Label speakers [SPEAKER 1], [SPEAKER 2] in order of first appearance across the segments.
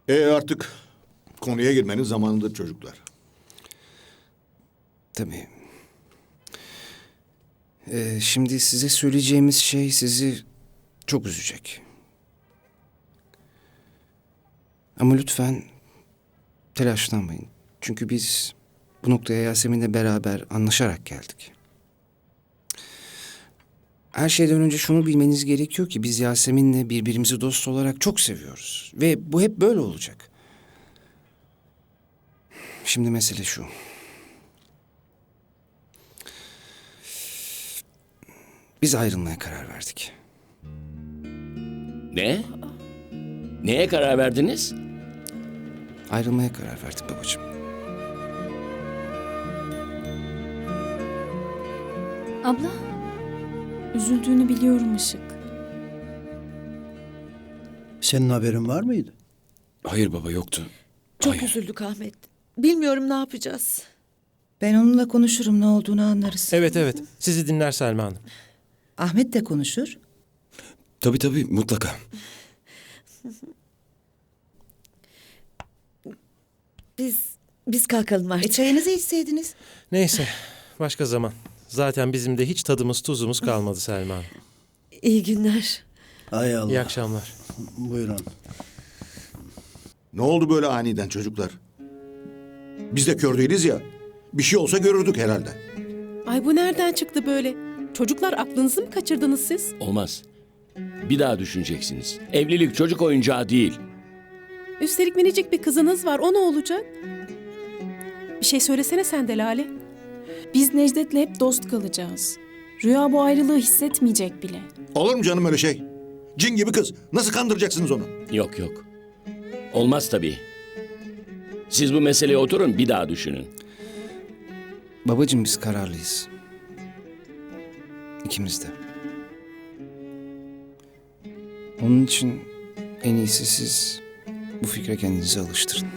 [SPEAKER 1] Artık konuya girmenin zamanıdır çocuklar.
[SPEAKER 2] Tabii. Şimdi size söyleyeceğimiz şey sizi çok üzecek. Ama lütfen telaşlanmayın. Çünkü biz bu noktaya Yasemin'le beraber anlaşarak geldik. Her şeyden önce şunu bilmeniz gerekiyor ki biz Yasemin'le birbirimizi dost olarak çok seviyoruz. Ve bu hep böyle olacak. Şimdi mesele şu. Biz ayrılmaya karar verdik.
[SPEAKER 3] Ne? Neye karar verdiniz?
[SPEAKER 2] Ayrılmaya karar verdik babacığım.
[SPEAKER 4] Abla, üzüldüğünü biliyorum Işık.
[SPEAKER 5] Senin haberin var mıydı?
[SPEAKER 2] Hayır baba, yoktu.
[SPEAKER 6] Çok
[SPEAKER 2] Hayır.
[SPEAKER 6] üzüldük Ahmet. Bilmiyorum ne yapacağız.
[SPEAKER 7] Ben onunla konuşurum, ne olduğunu anlarız.
[SPEAKER 8] Evet. Sizi dinler Selma Hanım.
[SPEAKER 7] Ahmet de konuşur.
[SPEAKER 2] Tabii mutlaka.
[SPEAKER 6] Biz kalkalım artık.
[SPEAKER 7] Çayınızı içseydiniz.
[SPEAKER 8] Neyse, başka zaman. Zaten bizim de hiç tadımız tuzumuz kalmadı Selma Hanım.
[SPEAKER 6] İyi günler.
[SPEAKER 5] Hay Allah.
[SPEAKER 8] İyi akşamlar.
[SPEAKER 5] Buyurun.
[SPEAKER 1] Ne oldu böyle aniden çocuklar? Biz de kör değiliz ya. Bir şey olsa görürdük herhalde.
[SPEAKER 9] Ay bu nereden çıktı böyle? Çocuklar aklınızı mı kaçırdınız siz?
[SPEAKER 3] Olmaz. Bir daha düşüneceksiniz. Evlilik çocuk oyuncağı değil.
[SPEAKER 9] Üstelik minicik bir kızınız var. O ne olacak? Bir şey söylesene sen de Lale.
[SPEAKER 4] Biz Necdet'le hep dost kalacağız. Rüya bu ayrılığı hissetmeyecek bile.
[SPEAKER 1] Olur mu canım öyle şey? Cin gibi kız. Nasıl kandıracaksınız onu?
[SPEAKER 3] Yok. Olmaz tabii. Siz bu meseleye oturun bir daha düşünün.
[SPEAKER 2] Babacığım biz kararlıyız. İkimiz de. Onun için en iyisi siz bu fikre kendinizi alıştırın.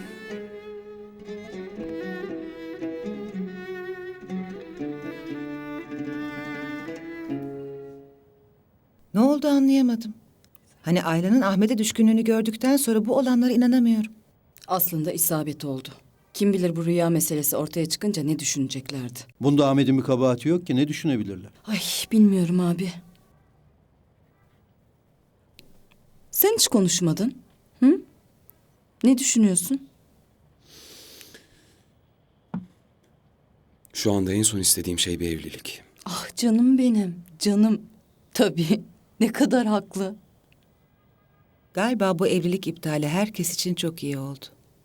[SPEAKER 7] Ne oldu anlayamadım. Hani Ayla'nın Ahmet'e düşkünlüğünü gördükten sonra bu olanlara inanamıyorum.
[SPEAKER 10] Aslında isabet oldu. Kim bilir bu rüya meselesi ortaya çıkınca ne düşüneceklerdi.
[SPEAKER 5] Bunda Ahmet'in bir kabahati yok ki, ne düşünebilirler?
[SPEAKER 10] Ay bilmiyorum abi. Sen hiç konuşmadın. Hı? Ne düşünüyorsun?
[SPEAKER 2] Şu anda en son istediğim şey bir evlilik.
[SPEAKER 10] Ah canım benim, canım. Tabii, ne kadar haklı.
[SPEAKER 7] Galiba bu evlilik iptali herkes için çok iyi oldu.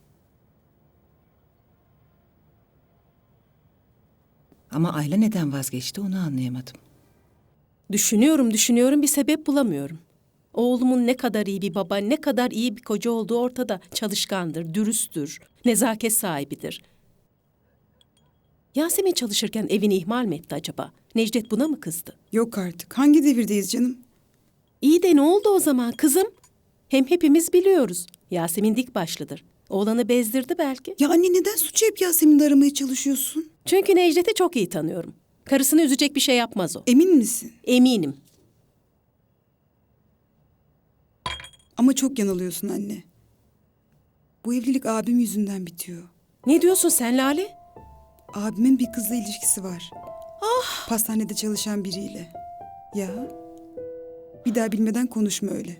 [SPEAKER 7] Ama Ayla neden vazgeçti onu anlayamadım.
[SPEAKER 9] Düşünüyorum bir sebep bulamıyorum. Oğlumun ne kadar iyi bir baba, ne kadar iyi bir koca olduğu ortada. Çalışkandır, dürüsttür, nezaket sahibidir. Yasemin çalışırken evini ihmal mi etti acaba? Necdet buna mı kızdı?
[SPEAKER 11] Yok artık. Hangi devirdeyiz canım?
[SPEAKER 9] İyi de ne oldu o zaman kızım? Hem hepimiz biliyoruz. Yasemin dik başlıdır. Oğlanı bezdirdi belki.
[SPEAKER 11] Ya anne neden suçu hep Yasemin'de aramaya çalışıyorsun?
[SPEAKER 9] Çünkü Necdet'i çok iyi tanıyorum. Karısını üzecek bir şey yapmaz o.
[SPEAKER 11] Emin misin?
[SPEAKER 9] Eminim.
[SPEAKER 11] Ama çok yanılıyorsun anne. Bu evlilik abim yüzünden bitiyor.
[SPEAKER 9] Ne diyorsun sen Lale?
[SPEAKER 11] Abimin bir kızla ilişkisi var. Ah! Pastanede çalışan biriyle. Ya. Bir daha bilmeden konuşma öyle.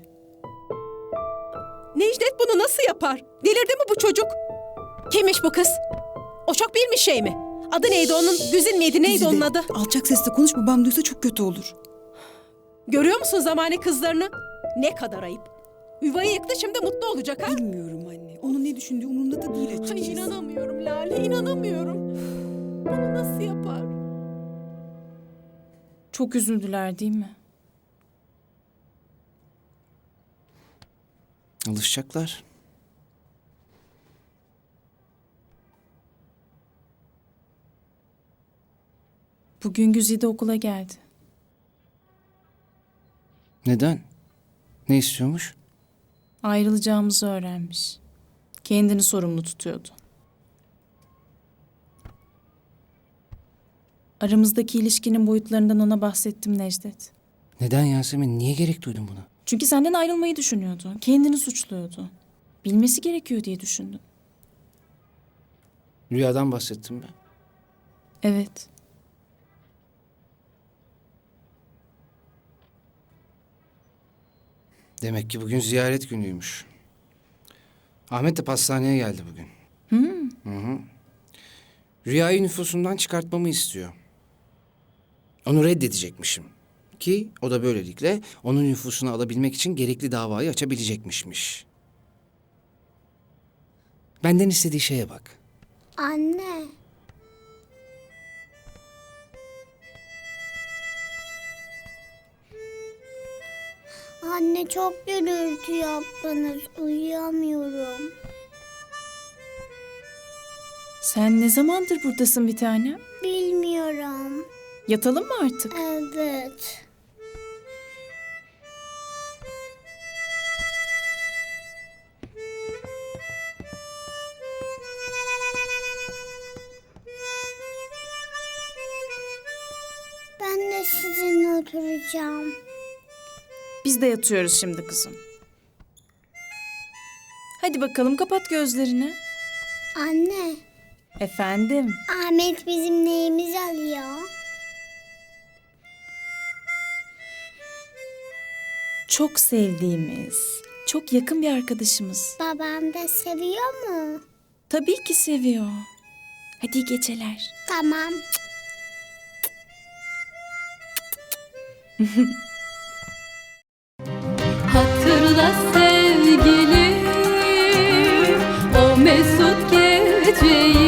[SPEAKER 9] Necdet bunu nasıl yapar? Delirdi mi bu çocuk? Kimmiş bu kız? O çok bilmiş şey mi? Adı neydi onun? Güzin miydi? Neydi
[SPEAKER 11] Güzide,
[SPEAKER 9] onun adı?
[SPEAKER 11] alçak sesle konuş, babam duysa çok kötü olur.
[SPEAKER 9] Görüyor musun zamane kızlarını? Ne kadar ayıp. Yuvayı yıktı şimdi mutlu olacak ha?
[SPEAKER 11] Bilmiyorum anne. Onun ne düşündüğü umurumda da değil açıkçası.
[SPEAKER 9] Ay inanamıyorum Lale, inanamıyorum. Bunu nasıl yapar?
[SPEAKER 4] Çok üzüldüler değil mi?
[SPEAKER 2] Alışacaklar.
[SPEAKER 4] Bugün Güzide okula geldi.
[SPEAKER 2] Neden? Ne istiyormuş?
[SPEAKER 4] Ayrılacağımızı öğrenmiş. Kendini sorumlu tutuyordu. Aramızdaki ilişkinin boyutlarından ona bahsettim Necdet.
[SPEAKER 2] Neden Yasemin? Niye gerek duydun buna?
[SPEAKER 4] Çünkü senden ayrılmayı düşünüyordu. Kendini suçluyordu. Bilmesi gerekiyor diye düşündüm.
[SPEAKER 2] Rüyadan bahsettim ben.
[SPEAKER 4] Evet.
[SPEAKER 2] Demek ki bugün ziyaret günüymüş. Ahmet de pastaneye geldi bugün. Hı. Rüyayı nüfusundan çıkartmamı istiyor. Onu reddedecekmişim. Ki o da böylelikle onun nüfusunu alabilmek için gerekli davayı açabilecekmişmiş. Benden istediği şeye bak.
[SPEAKER 12] Anne. Anne çok gürültü yaptınız. Uyuyamıyorum.
[SPEAKER 4] Sen ne zamandır buradasın bir tanem?
[SPEAKER 12] Bilmiyorum.
[SPEAKER 4] Yatalım mı artık?
[SPEAKER 12] Evet. Ben de sizinle oturacağım.
[SPEAKER 4] Biz de yatıyoruz şimdi kızım. Hadi bakalım kapat gözlerini.
[SPEAKER 12] Anne,
[SPEAKER 4] Efendim?
[SPEAKER 12] Ahmet bizim neyimizi alıyor?
[SPEAKER 4] Çok sevdiğimiz, çok yakın bir arkadaşımız.
[SPEAKER 12] Babam da seviyor mu?
[SPEAKER 4] Tabii ki seviyor. Hadi iyi geceler.
[SPEAKER 12] Tamam.
[SPEAKER 10] Hatırla sevgilim o mesut geceyi.